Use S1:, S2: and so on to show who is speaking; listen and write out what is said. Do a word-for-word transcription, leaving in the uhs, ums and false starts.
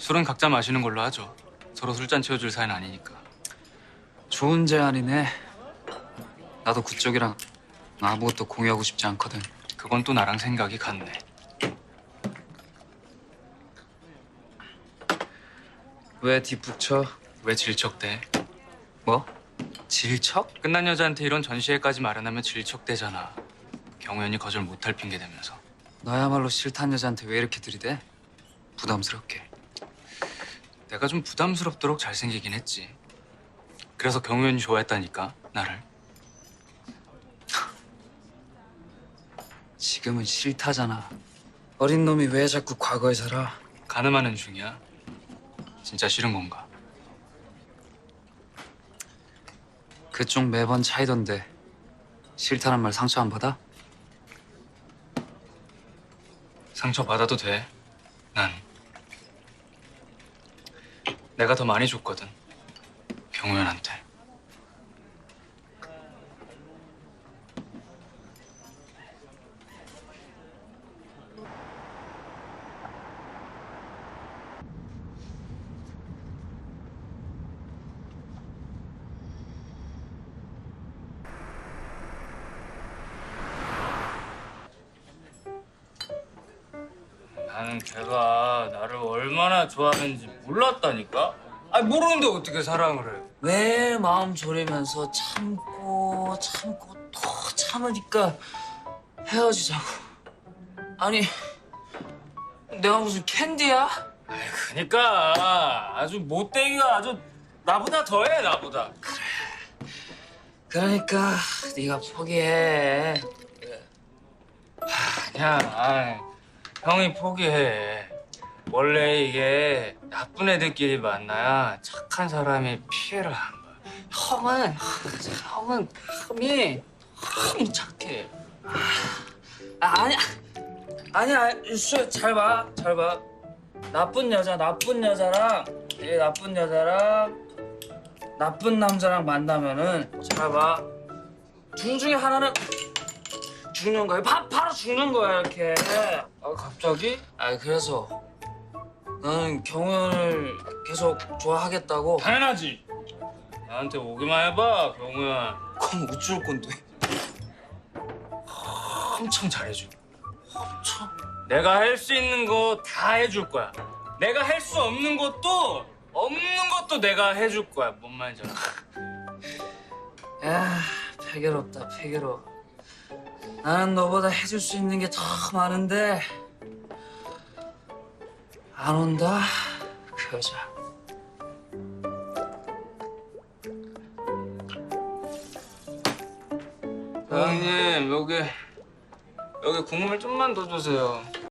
S1: 술은 각자 마시는 걸로 하죠. 서로 술잔 채워줄 사이는 아니니까.
S2: 좋은 제안이네. 나도 그쪽이랑 아무것도 공유하고 싶지 않거든.
S1: 그건 또 나랑 생각이 같네.
S2: 왜 뒷북쳐?
S1: 왜 질척대?
S2: 뭐? 질척?
S1: 끝난 여자한테 이런 전시회까지 마련하면 질척대잖아. 경호연이 거절 못할 핑계 대면서.
S2: 너야말로 싫다는 여자한테 왜 이렇게 들이대? 부담스럽게.
S1: 내가 좀 부담스럽도록 잘생기긴 했지. 그래서 경호연이 좋아했다니까, 나를.
S2: 지금은 싫다잖아. 어린 놈이 왜 자꾸 과거에 살아?
S1: 가늠하는 중이야. 진짜 싫은 건가?
S2: 그쪽 매번 차이던데 싫다는 말 상처 안 받아?
S1: 상처 받아도 돼. 난 내가 더 많이 줬거든. 경호연한테. 나는 걔가 나를 얼마나 좋아하는지 몰랐다니까? 아니 모르는데 어떻게 사랑을 해?
S2: 왜 마음 졸이면서 참고 참고 또 참으니까 헤어지자고. 아니 내가 무슨 캔디야?
S1: 아이 그니까 아주 못되기가 아주 나보다 더해 나보다.
S2: 그러니까 네가 포기해.
S1: 아니야. 아이, 형이 포기해. 원래 이게 나쁜 애들끼리 만나야 착한 사람이 피해를 안 봐. 형은 형은 흠이 흠이 착해.
S2: 아, 아니야 아니야 유수 잘 봐, 잘 봐. 나쁜 여자 나쁜 여자랑 이 나쁜 여자랑 나쁜 남자랑 만나면은 잘 봐. 둘 중에 하나는 죽는 거야. 바, 바로 죽는 거야 이렇게.
S1: 아 갑자기?
S2: 아 그래서 나는 경호연을 계속 좋아하겠다고.
S1: 당연하지. 나한테 오기만 해봐 경우야.
S2: 그럼 어쩔 건데?
S1: 엄청 잘해줘.
S2: 참.
S1: 내가 할 수 있는 거 다 해줄 거야. 내가 할 수 없는 것도 없는 것도 내가 해줄 거야. 뭔 말인지 알아?
S2: 야 패괴롭다 패괴로워. 나는 너보다 해줄 수 있는 게 더 많은데 안 온다 그 여자.
S1: 형님 여기 여기 국물 좀만 더 주세요.